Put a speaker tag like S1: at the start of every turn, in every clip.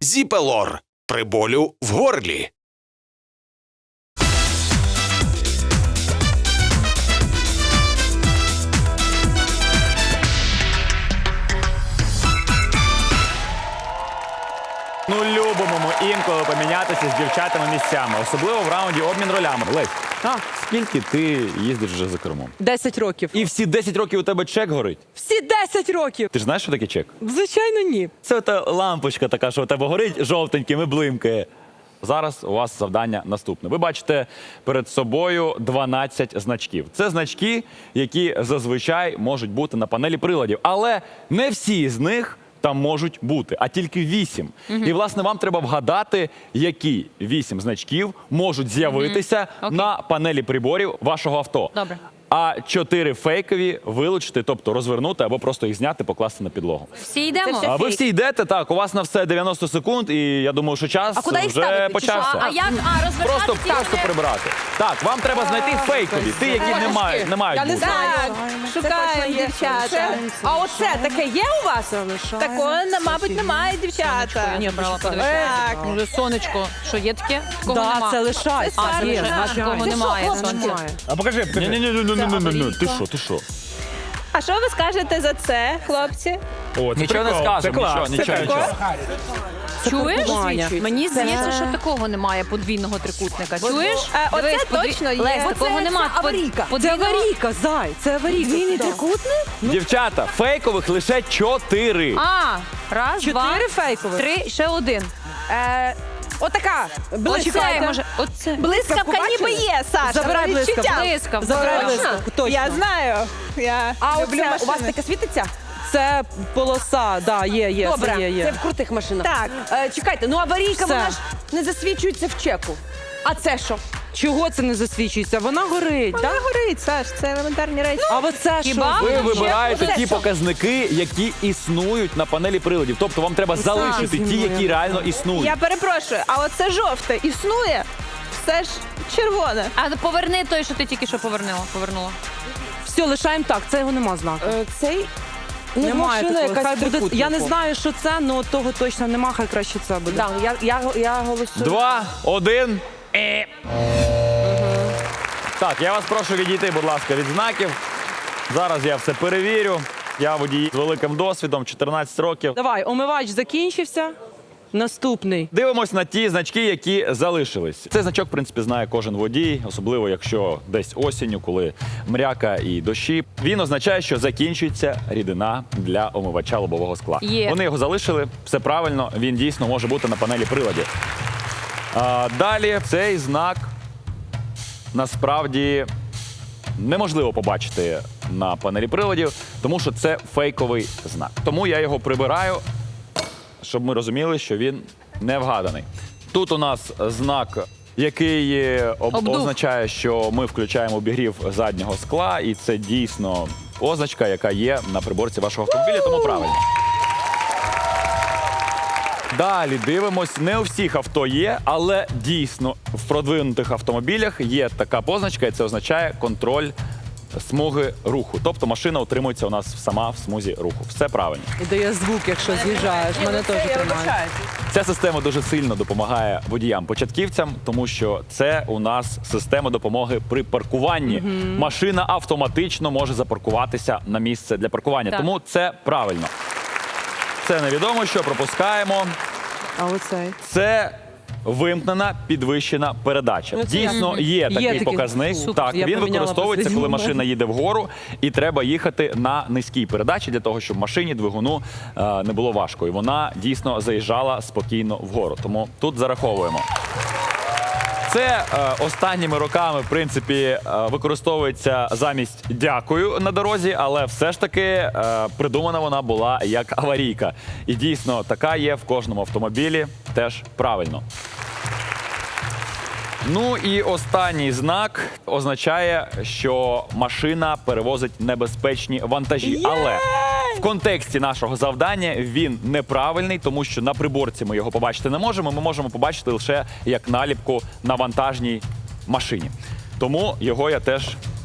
S1: Зіпелор при болю в горлі.
S2: Ну, любимо ми інколи помінятися з дівчатами місцями, особливо в раунді обмін ролями. Лесь, скільки ти їздиш вже за кермом?
S3: 10 років.
S2: І всі 10 років у тебе чек горить?
S3: Всі 10 років.
S2: Ти ж знаєш, що таке чек?
S3: Звичайно, ні.
S2: Це та лампочка така, що у тебе горить жовтеньким і блимкає. Зараз у вас завдання наступне. Ви бачите перед собою 12 значків. Це значки, які зазвичай можуть бути на панелі приладів. Але не всі з них там можуть бути, а тільки 8. І, власне, вам треба вгадати, які 8 значків можуть з'явитися на панелі приборів вашого авто.
S4: Добре.
S2: А 4 фейкові вилучити, тобто розвернути або просто їх зняти, покласти на підлогу.
S4: Всі йдемо?
S2: А ви всі йдете, так, у вас на все 90 секунд, і я думаю, що час
S3: куди їх
S2: вже
S3: ставити, чи
S2: почався.
S4: А як розвертати
S2: Просто
S4: ці
S2: просто
S4: вони?
S2: прибрати. Так, вам треба знайти фейкові, ті, які не мають
S3: Я не
S2: бути.
S3: знаю.
S5: Шукаємо дівчата.
S3: А оце таке є у вас?
S5: Такого, мабуть, немає, дівчата.
S4: Ні, брала, подивися.
S5: Так.
S4: Може, сонечко, що є таке? Такого
S3: Так,
S4: нема.
S3: це лишається.
S4: А, це
S3: Є,
S4: лишається.
S3: звичайно.
S4: Такого немає,
S3: Це що,
S4: сонця.
S3: немає?
S2: А покажи. Ні, ти що?
S5: А що ви скажете за це, хлопці?
S2: О, нічого не скажемо, нічого.
S4: Чуєш?
S3: Ваня.
S4: Мені здається, що такого немає подвійного трикутника. Чуєш?
S5: Оце
S4: Дивись,
S5: точно є.
S4: Лесь, такого нема.
S3: Аварійка. Це
S4: Подвійного-
S3: аварійка, зай. Це аварійка. Двійний трикутник?
S2: Дівчата, фейкових лише 4.
S4: А, раз, два,
S3: 4 фейкових.
S4: 3, ще один.
S3: Отака.
S4: Оце,
S3: Блискавка.
S4: може, оце.
S5: Блискавка ніби є, Саша.
S3: Забирай
S5: на відчуття.
S3: блискавку.
S4: Блискавка.
S3: Забирай
S4: Точно?
S3: блискавку, точно.
S5: Я знаю. Я
S3: А
S5: люблю
S3: оце,
S5: машини.
S3: у вас таке світиться? Це полоса, да, є.
S6: Добре,
S3: це є.
S6: це в крутих машинах.
S5: Так.
S6: Чекайте, ну аварійка,
S3: Все.
S6: вона ж не засвічується в чеку. А це що?
S3: Чого це не засвічується? Вона горить,
S5: Вона
S3: так?
S5: горить, Саш, це елементарні речі.
S3: А оце
S4: Хіба?
S3: що?
S2: Ви
S4: Ще
S2: вибираєте
S5: буде
S2: ті
S5: що?
S2: показники, які існують на панелі приладів. Тобто вам треба залишити ті, які реально існують.
S5: Я перепрошую, а оце жовте існує? Все ж червоне.
S4: А поверни той, що ти тільки що повернула.
S3: Все, лишаємо так, це його нема знаку.
S6: Цей
S3: Немає
S6: машина
S3: такого.
S6: якась
S3: Хай буде.
S6: трикутнику.
S3: Я не знаю, що це, але того точно нема, хай краще це буде.
S6: Да, я голосую.
S2: 2, 1. Так, я вас прошу відійти, будь ласка, від знаків. Зараз я все перевірю. Я водій з великим досвідом, 14 років.
S3: Давай, омивач закінчився. Наступний.
S2: Дивимось на ті значки, які залишились. Цей значок, в принципі, знає кожен водій, особливо якщо десь осінню, коли мряка і дощі. Він означає, що закінчується рідина для омивача лобового скла.
S4: Є.
S2: Вони його залишили, все правильно, він дійсно може бути на панелі приладів. Далі цей знак насправді неможливо побачити на панелі приладів, тому що це фейковий знак. Тому я його прибираю, щоб ми розуміли, що він не вгаданий. Тут у нас знак, який
S4: Обдув.
S2: означає, що ми включаємо обігрів заднього скла, і це дійсно означка, яка є на приборці вашого автомобіля, тому правильно. Далі дивимось, не у всіх авто є, але дійсно в продвинутих автомобілях є така позначка, і це означає контроль смуги руху. Тобто машина утримується у нас сама в смузі руху. Все правильно.
S3: І дає звук, якщо з'їжджаєш. Мене теж тримає.
S2: Ця система дуже сильно допомагає водіям-початківцям, тому що це у нас система допомоги при паркуванні. Машина автоматично може запаркуватися на місце для паркування,
S4: Так.
S2: тому це правильно. Це невідомо, що пропускаємо.
S3: А оцей.
S2: Це вимкнена підвищена передача.
S3: Ну, це
S2: Дійсно, є такий
S3: такий.
S2: показник.
S3: Супер.
S2: Так,
S3: Я
S2: він
S3: поміняла
S2: використовується, коли
S3: посидіння.
S2: машина їде вгору, і треба їхати на низькій передачі для того, щоб машині, двигуну не було важко. І вона дійсно заїжджала спокійно вгору. Тому тут зараховуємо. Це останніми роками, в принципі, використовується замість «дякую» на дорозі, але все ж таки придумана вона була як аварійка. І дійсно, така є в кожному автомобілі, теж правильно. Ну і останній знак означає, що машина перевозить небезпечні вантажі. Але в контексті нашого завдання він неправильний, тому що на приборці ми його побачити не можемо. Ми можемо побачити лише як наліпку на вантажній машині. Тому його я теж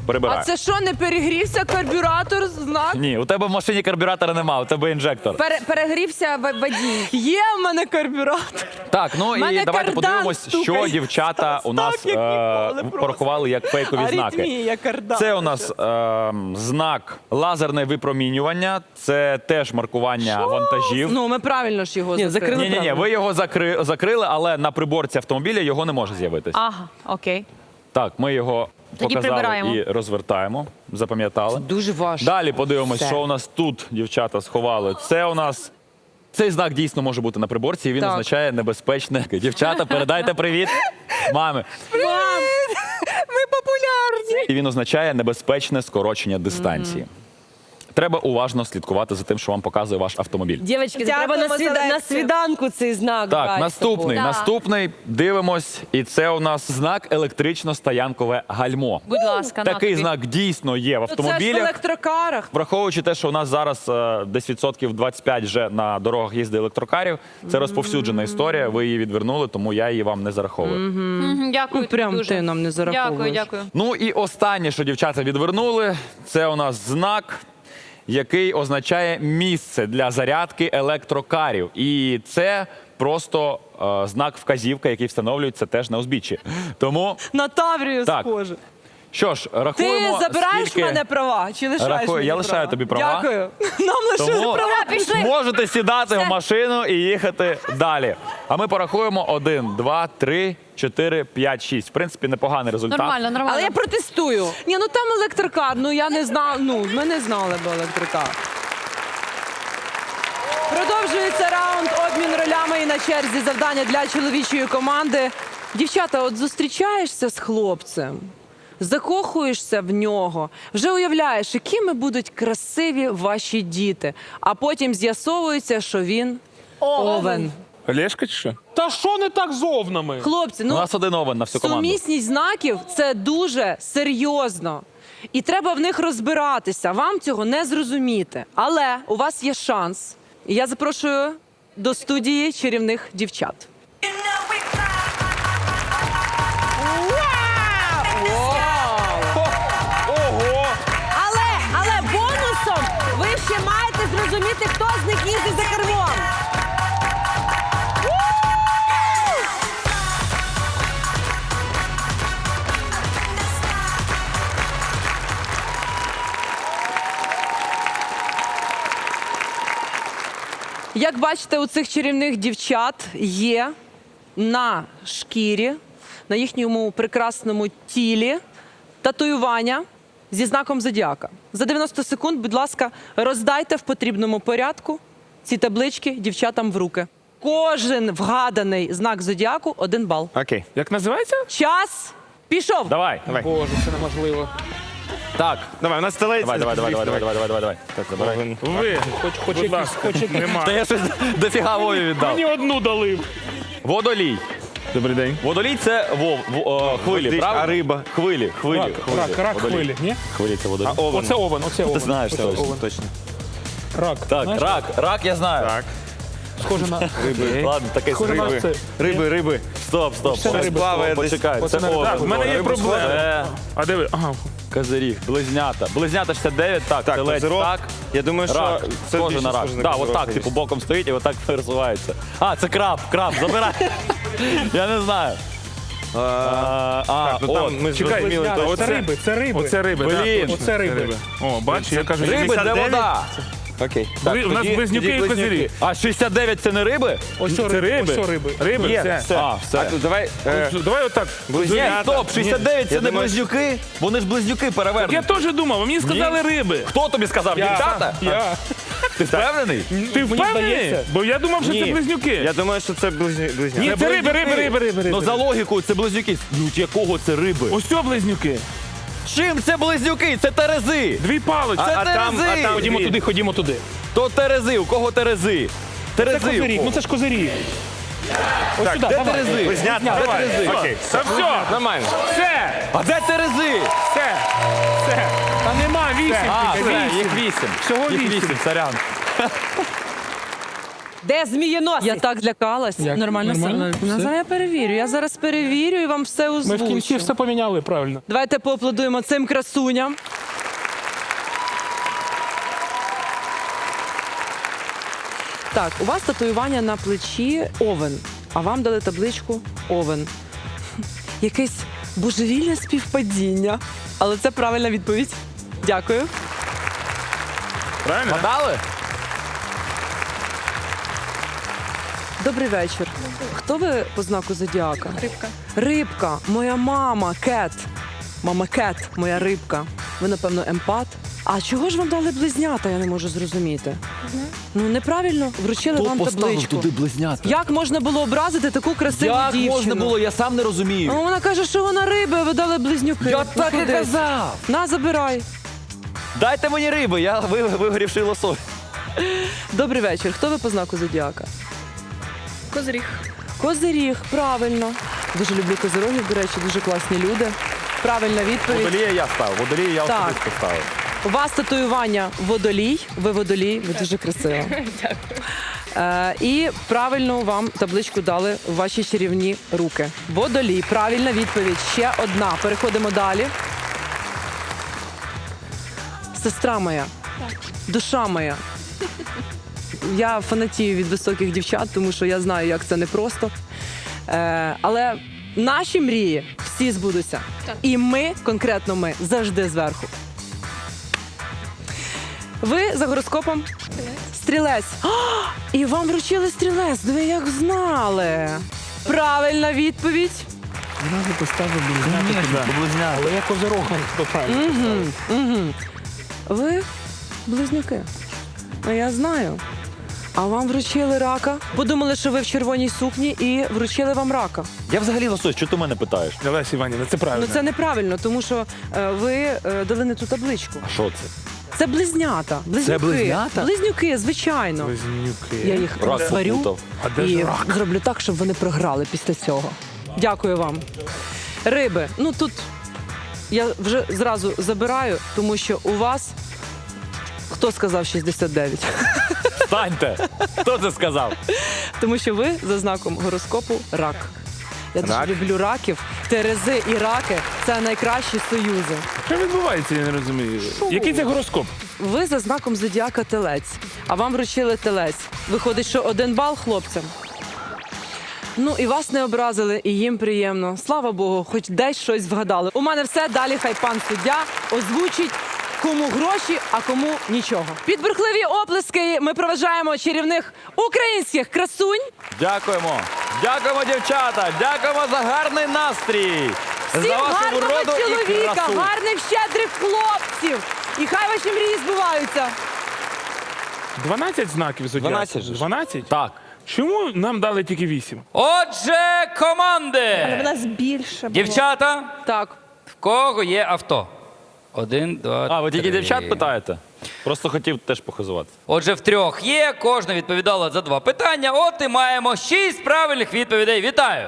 S2: Прибирай.
S3: А це що, не перегрівся карбюратор? Знак?
S2: Ні, у тебе в машині карбюратора нема, у тебе інжектор.
S6: Перегрівся водій.
S3: Є в мене карбюратор.
S2: Так, ну і
S3: Мене
S2: давайте
S3: кардан
S2: подивимось,
S3: стукає.
S2: що дівчата у нас
S3: Так, як ніколи просто.
S2: порахували як фейкові знаки.
S3: Аритмія, кардан.
S2: Це у нас знак лазерне випромінювання, це теж маркування вантажів.
S3: Ну, ми правильно ж його закрили.
S2: Ні, ви його закрили, але на приборці автомобіля його не може з'явитись.
S4: Ага, окей.
S2: Так, ми його
S4: Тоді
S2: показали
S4: прибираємо.
S2: і розвертаємо. Запам'ятали.
S6: Дуже важко.
S2: Далі подивимось,
S6: Все.
S2: що у нас тут дівчата сховали. Це у нас. Цей знак дійсно може бути на приборці, і він
S3: Так.
S2: означає небезпечне. Дівчата, передайте привіт мамі.
S3: Мам, ми популярні.
S2: І він означає небезпечне скорочення дистанції. Треба уважно слідкувати за тим, що вам показує ваш автомобіль.
S6: Дівчатки,
S3: Дякуємо
S6: треба
S3: за лекцію.
S6: на свіданку цей знак.
S2: Так,
S6: брати з
S2: наступний.
S6: собою.
S2: Наступний дивимось, і це у нас знак електрично-стоянкове гальмо.
S4: Будь ласка, на
S2: Такий
S4: тобі.
S2: знак дійсно є в
S3: Ну, це ж в
S2: автомобілях.
S3: електрокарах.
S2: Враховуючи те, що у нас зараз десь відсотків 25 вже на дорогах їздить електрокарів, це розповсюджена історія. Ви її відвернули, тому я її вам не зараховую.
S4: Мгм, Дякую.
S3: Ну, прям
S4: дуже.
S3: ти нам не зараховуєш.
S4: Дякую.
S2: Ну і останнє, що дівчата відвернули, це у нас знак, який означає місце для зарядки електрокарів. І це просто знак вказівка, який встановлюється теж на узбіччі. Тому,
S3: На Таврію
S2: Так.
S3: схоже.
S2: що ж,
S3: Ти
S2: рахуємо,
S3: забираєш
S2: скільки...
S3: мене права чи лишаєш
S2: Рахую,
S3: мені
S2: я лишаю
S3: права?
S2: тобі права.
S3: Дякую. Нам лишили
S2: Тому
S3: права.
S2: можете сідати в машину і їхати далі. А ми порахуємо 1, 2, 3, 4, 5, 6. В принципі, непоганий результат.
S4: Нормально, нормально.
S6: Але я протестую.
S3: Ні, ну там електрокар, ну я не знала, ну ми не знали б електрокар. Продовжується раунд обмін ролями і на черзі завдання для чоловічої команди. Дівчата, от зустрічаєшся з хлопцем, закохуєшся в нього, вже уявляєш, якими будуть красиві ваші діти, а потім з'ясовується, що він овен.
S7: Олешка чи що?
S8: Та що не так з овнами?
S3: Хлопці,
S2: У
S3: ну
S2: нас один овен на всю команду.
S3: сумісність знаків – це дуже серйозно. І треба в них розбиратися. Вам цього не зрозуміти. Але у вас є шанс. І я запрошую до студії чарівних дівчат.
S8: Ого!
S6: Але бонусом ви ще маєте зрозуміти, хто з них їздить за кермом.
S3: Як бачите, у цих чарівних дівчат є на шкірі, на їхньому прекрасному тілі татуювання зі знаком зодіака. За 90 секунд, будь ласка, роздайте в потрібному порядку ці таблички дівчатам в руки. Кожен вгаданий знак зодіаку – 1 бал.
S7: Окей. Як називається?
S3: Час пішов.
S2: Давай.
S8: Боже, це неможливо.
S2: Так.
S7: Давай, у нас стелеться.
S2: Давай. Так, забирай.
S7: Ви,
S8: Хоч
S7: будь
S8: якісь,
S7: ласка,
S8: хоч якісь.
S7: нема.
S2: Та я щось дофіга Вові віддав.
S8: Мені одну дали.
S2: Водолій.
S7: Добрий день.
S2: Водолій – це хвилі,
S7: Води,
S2: правда?
S7: а риба?
S2: Хвилі.
S8: Рак
S2: Водолій.
S8: хвилі, ні?
S2: Хвилі – це водолій.
S7: Овен.
S8: Оце овен, оце овен.
S2: Ти знаєш,
S8: Оце
S2: точно.
S8: овен.
S7: Точно.
S8: Рак.
S2: Так,
S8: Знаєш,
S2: рак я знаю.
S7: Так.
S8: Схоже на...
S2: Ладно, такий
S8: Схоже на це.
S7: Риби.
S2: Стоп.
S8: Це не риби.
S7: Плаває десь.
S2: Почекай,
S8: Оце
S2: це
S8: не
S2: овен.
S8: рак.
S7: В мене є
S2: Риба
S7: проблема.
S2: схоже.
S7: А де ви? Ага.
S2: Козиріг, близнята. Близнята 69, так,
S7: Так,
S2: телець,
S7: козирог.
S2: так.
S7: Я думаю, що
S2: Рак,
S7: це
S2: схоже
S7: більше
S2: на рак.
S7: схоже на
S2: Так,
S7: козирог,
S2: отак, типу, боком стоїть і отак пересувається. А, це краб, забирай. Я не знаю.
S7: Так, ну там ми
S8: Чекай,
S7: зрозуміли.
S8: Оце
S7: точно.
S8: риби, це риби.
S7: Оце риби,
S2: Блін.
S7: так.
S8: Оце риби.
S7: О, бач, я кажу,
S2: Риби, де
S7: 69.
S2: вода?
S7: Окей.
S8: У нас близнюки і козирі.
S2: А 69 це не риби?
S8: Ось
S7: Це риби.
S8: Ось риби.
S7: Риби,
S8: Є.
S7: все.
S2: А, все.
S7: А тут давай.
S8: Давай отак.
S2: Ні,
S7: Близнята.
S2: стоп, 69 це
S7: Я
S2: не
S7: думаю,
S2: близнюки. Вони ж близнюки
S8: Я
S2: перевернуті.
S8: теж думав, а мені сказали риби.
S2: Хто тобі сказав? Дівчата?
S8: Я.
S2: Ти впевнений?
S8: Ти впевнений?
S7: здається.
S8: Бо я думав, що
S7: Ні.
S8: це близнюки.
S7: Я думаю, що це близнята.
S8: Ні, це риби.
S2: Ну за логікою це близнюки. Ну якого це риби?
S8: Ось це близнюки.
S2: Чим це близнюки? Це терези.
S8: Дві палички.
S2: Це терези.
S8: Ходімо туди.
S2: То терези. У кого терези?
S8: Це
S2: Терези. у
S8: козиріг,
S2: кого?
S8: ну це ж козиріг. Ось сюди,
S2: Де
S8: давай.
S2: терези?
S7: Близнята.
S2: Де
S7: Давай.
S2: терези?
S7: Окей.
S8: Та все,
S7: Нормально.
S8: все,
S2: А де терези?
S8: все. Та нема, 8.
S2: А, все, їх 8.
S8: Всього
S2: Їх
S8: 8.
S2: 8, сорян.
S6: Де змієносець?
S3: Я так злякалась.
S8: Як?
S3: Нормально,
S8: Нормально?
S3: все.
S8: Все?
S3: Зараз я перевірю. Я зараз перевірю і вам все
S8: Ми
S3: озвучу.
S8: в кінці все поміняли, правильно.
S3: Давайте поаплодуємо цим красуням. Так, у вас татуювання на плечі овен, а вам дали табличку овен. Якесь божевільне співпадіння. Але це правильна відповідь. Дякую.
S7: Правильно?
S2: Подали?
S3: Добрий вечір. Хто ви по знаку зодіака? Рибка. Рибка. Моя мама, Кет. Мама Кет, моя рибка. Ви, напевно, емпат. А чого ж вам дали близнята, я не можу зрозуміти. Ну, неправильно вручили вам табличку.
S2: близнята?
S3: Як можна було образити таку красиву
S2: Як
S3: дівчину?
S2: можна було? Я сам не розумію.
S3: Ну, вона каже, що вона риби, а ви дали близнюки.
S2: Я
S3: Ну,
S2: так і
S3: куди?
S2: казав.
S3: На, забирай.
S2: Дайте мені риби, я вигорівший лосось.
S3: Добрий вечір. Хто ви по знаку зодіака?
S5: Козиріг.
S3: Козиріг, правильно. Дуже люблю козирогів, до речі, дуже класні люди. Правильна відповідь.
S2: Водолія я ставив, водолія я
S3: Так.
S2: особисто ставив.
S3: У вас татуювання водолій. Ви водолій, ви дуже красива. Дякую. І правильно вам табличку дали в ваші чарівні руки. Водолій. Правильна відповідь. Ще одна. Переходимо далі. Сестра моя. Душа моя. Я фанатію від високих дівчат, тому що я знаю, як це непросто. Але наші мрії всі збудуться. І ми, конкретно ми, завжди зверху. Ви за гороскопом? Стрілець. А, і вам вручили стрілець. Ви як знали. Правильна відповідь.
S8: Зразу поставив близнята. Але я козирогом, то правильно.
S3: Ви близнюки. А я знаю. А вам вручили рака. Подумали, що ви в червоній сукні і вручили вам рака.
S2: Я взагалі лосось, що ти мене питаєш?
S7: Олеся Іванівна, це правильно.
S3: Ну це неправильно, тому що ви дали не ту табличку.
S2: А що це?
S3: Це близнята. Близнюки.
S2: близнята?
S3: Близнюки, звичайно.
S7: Близнюки.
S3: Я їх
S2: Рак
S3: сварю
S2: попутав.
S7: А де
S3: і
S7: ж рак?
S3: зроблю так, щоб вони програли після цього. Дякую вам. Риби. Ну тут я вже зразу забираю, тому що у вас хто сказав 69?
S2: Встаньте! Хто це сказав?
S3: Тому що ви за знаком гороскопу рак. Я дуже
S7: Рак?
S3: люблю раків. Терези і раки це найкращі союзи.
S7: Що відбувається, я не розумію. Який це гороскоп?
S3: Ви за знаком зодіака телець, а вам вручили телець. Виходить, що 1 бал хлопцям. Ну і вас не образили, і їм приємно. Слава Богу, хоч десь щось вгадали. У мене все, далі хай пан суддя озвучить, кому гроші, а кому нічого. Під бурхливі оплески ми проважаємо чарівних українських красунь.
S2: Дякуємо. Дякуємо, дівчата. Дякуємо за гарний настрій.
S3: Всім
S2: за вашу
S3: гарного
S2: вроду і
S3: чоловіка,
S2: красу.
S3: гарних щедрих хлопців. І хай ваші мрії збуваються.
S7: 12 знаків зодіаку?
S2: 12 же ж.
S7: 12?
S2: Так.
S7: Чому нам дали тільки 8?
S9: Отже, команди!
S5: У нас більше було.
S9: Дівчата,
S3: Так.
S9: в кого є авто? 1, 2, 3.
S2: А, ви тільки дівчат питаєте? Просто хотів теж похизувати.
S9: Отже, в трьох є, кожна відповідала за 2 питання. От і маємо 6 правильних відповідей. Вітаю!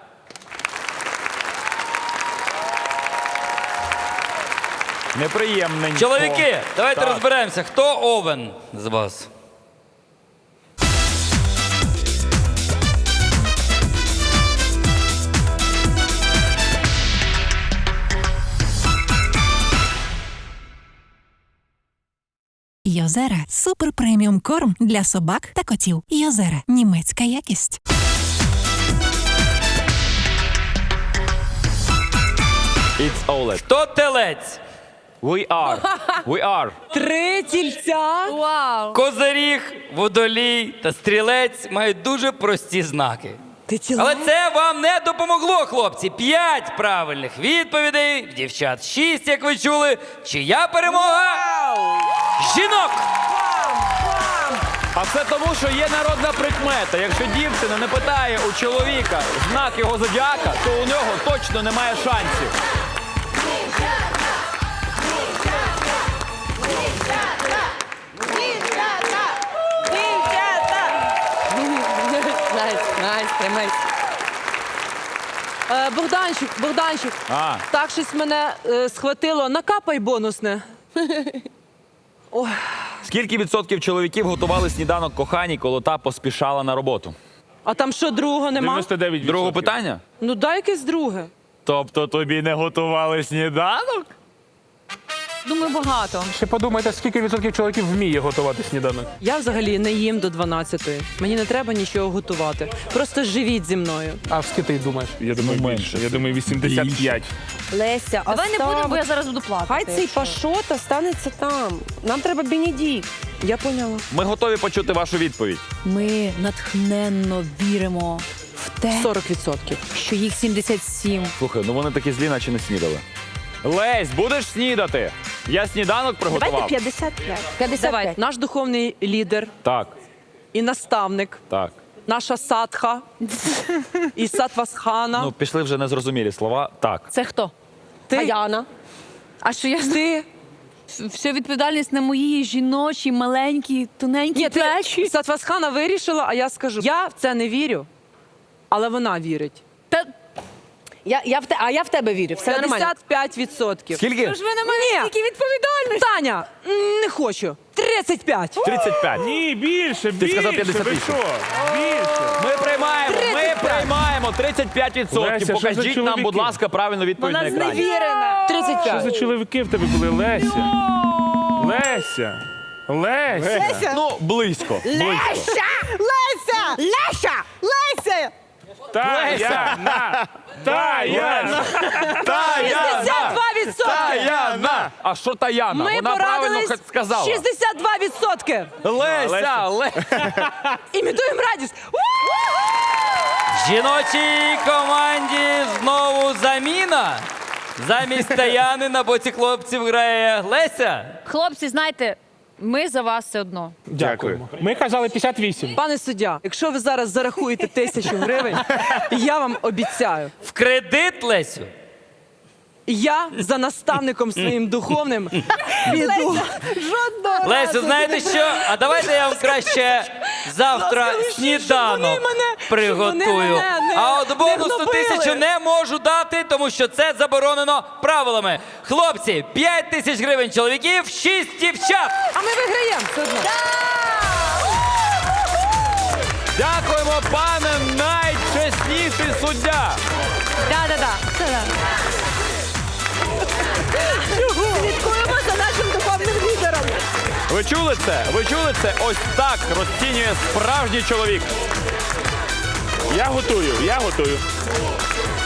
S2: Неприємненько.
S9: Чоловіки, давайте
S2: Так.
S9: розберемося, хто овен з вас?
S10: Йозера – супер преміум корм для собак та котів. Йозера – німецька якість.
S2: It's OLED.
S9: Хто телець?
S2: We are. We are.
S3: 3 тільця.
S4: Вау!
S9: Козиріг, водолій та стрілець мають дуже прості знаки.
S3: Ти тіла?
S9: Але це вам не допомогло, хлопці. 5 правильних відповідей, в дівчат 6, як ви чули. Чия перемога? Жінок!
S2: А все тому, що є народна прикмета. Якщо дівчина не питає у чоловіка знак його зодіака, то у нього точно немає шансів.
S3: Найс, тримайся. Богданчик,
S2: А.
S3: так щось мене схватило. Накапай бонусне. Ой,
S2: Скільки відсотків чоловіків готували сніданок коханій, коли та поспішала на роботу?
S3: А там що, другого нема?
S7: 99%.
S2: Друге питання?
S3: Ну дай якесь друге.
S2: Тобто тобі не готували сніданок?
S4: Думаю, багато.
S8: Ще подумайте, скільки відсотків чоловіків вміє готувати сніданок.
S3: Я взагалі не їм до 12-ї. Мені не треба нічого готувати. Просто живіть зі мною.
S8: А скільки ти думаєш?
S7: Я думаю, більше. Я думаю, 85.
S6: Леся,
S4: Давай не будемо, бо я зараз буду плакати.
S6: Хай цей
S4: якщо.
S6: Пашота станеться там. Нам треба Бенедикт.
S3: Я поняла.
S2: Ми готові почути вашу відповідь.
S4: Ми натхненно віримо в те,
S3: 40%.
S4: що їх 77.
S2: Слухай, ну вони такі злі, наче не снідали. Лесь, будеш снідати? Я сніданок приготував.
S6: Давайте 55.
S4: 55.
S3: Наш духовний лідер
S2: Так,
S3: і наставник,
S2: так.
S3: наша садха і сатвасхана.
S2: Ну, пішли вже незрозумілі слова. Так.
S4: Це хто?
S3: ти,
S6: Аяна.
S4: А що я
S3: ти.
S4: Вся відповідальність на мої жіночі, маленькі, тоненькі
S3: Ні,
S4: плечі.
S3: ти Сатвасхана вирішила, а я скажу, я в це не вірю, але вона вірить.
S4: Та
S6: А я в тебе вірю. Все нормально.
S3: 55%.
S2: Скільки?
S4: ж ви на мене
S3: Ні.
S4: стільки відповідальності.
S3: Таня, не хочу. 35.
S2: 35.
S7: Ні, більше,
S2: Ти сказав
S7: більше.
S2: 58.
S7: Ви що? Більше.
S2: Ми приймаємо, 35%.
S7: Леся, що за
S2: Покажіть нам, будь
S7: чоловіки?
S2: ласка, правильну відповідь на екрані.
S6: Зневірена.
S3: 35.
S7: Що за чоловіки в тебе були, Леся? Леся. Леся.
S2: Ну, близько.
S6: Леся! Леся! Леся! Леся!
S7: Таяна. Таяна.
S3: 62%.
S2: Таяна! А що Таяна?
S3: Ми
S2: Вона правильно
S3: порадились
S2: сказала.
S3: 62%.
S2: Леся.
S3: Імітуємо радість.
S9: В жіночій команді знову заміна. Замість Таяни на боці хлопців грає Леся.
S4: Хлопці, знаєте, ми за вас все одно.
S8: Дякуємо. Ми казали 58.
S3: Пане суддя, якщо ви зараз зарахуєте 1000 гривень, я вам обіцяю,
S9: В кредит, Лесю.
S3: я за наставником своїм духовним піду.
S9: Лесю, знаєте що? А давайте я вам краще завтра
S3: Ласкавіше,
S9: сніданок
S3: щоб вони
S9: приготую.
S3: мене
S9: А от бонусну
S3: гнобили.
S9: 1000 не можу дати, тому що це заборонено правилами. Хлопці, 5000 гривень чоловіків, 6 дівчат.
S3: А ми виграємо все одно.
S2: Дякуємо, пане найчесніший суддя.
S4: Да-да-да.
S6: Слідкуємо за нашим духовним лідером.
S2: Ви чули це? Ви чули це? Ось так розцінює справжній чоловік.
S7: Я готую.